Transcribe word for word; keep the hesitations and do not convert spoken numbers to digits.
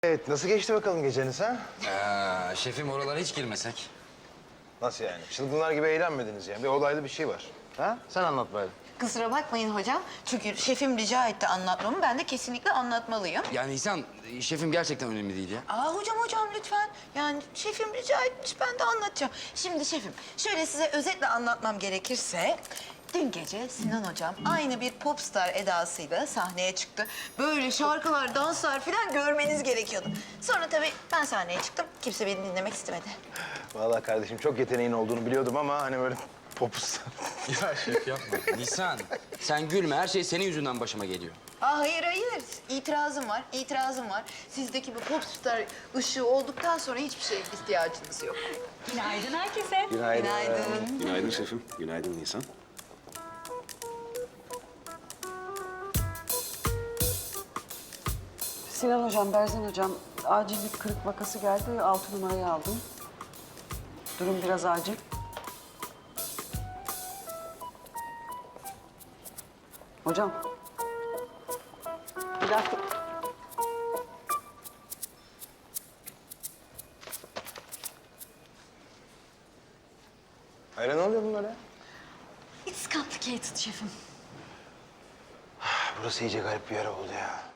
Evet, nasıl geçti bakalım geceniz ha? Ee, şefim oralara hiç girmesek. Nasıl yani? Çılgınlar gibi eğlenmediniz yani. Bir olaylı bir şey var. Ha? Sen anlat bari. Kusura bakmayın hocam. Çünkü şefim rica etti anlatmamı. Ben de kesinlikle anlatmalıyım. Yani Nisan, şefim gerçekten önemli değil ya. Aa hocam hocam lütfen. Yani şefim rica etmiş, ben de anlatacağım. Şimdi şefim, şöyle size özetle anlatmam gerekirse... Dün gece Sinan hocam aynı bir popstar edasıyla sahneye çıktı. Böyle şarkılar, danslar falan görmeniz gerekiyordu. Sonra tabii ben sahneye çıktım. Kimse beni dinlemek istemedi. Vallahi kardeşim çok yeteneğin olduğunu biliyordum ama hani böyle popustar. Ya şef yapma. Nisan, sen gülme. Her şey senin yüzünden başıma geliyor. Aa hayır hayır. İtirazım var, itirazım var. Sizdeki bu popstar ışığı olduktan sonra hiçbir şeye ihtiyacınız yok. Günaydın herkese. Günaydın. Günaydın. Günaydın şefim. Günaydın Nisan. Sinan hocam, Berzan hocam, acil bir kırık vakası geldi. Altı numarayı aldım. Durum biraz acil. Hocam. Bir dakika. Hayır, ne oluyor bunlara? It's complicated şefim. Burası iyice garip bir yer oldu ya.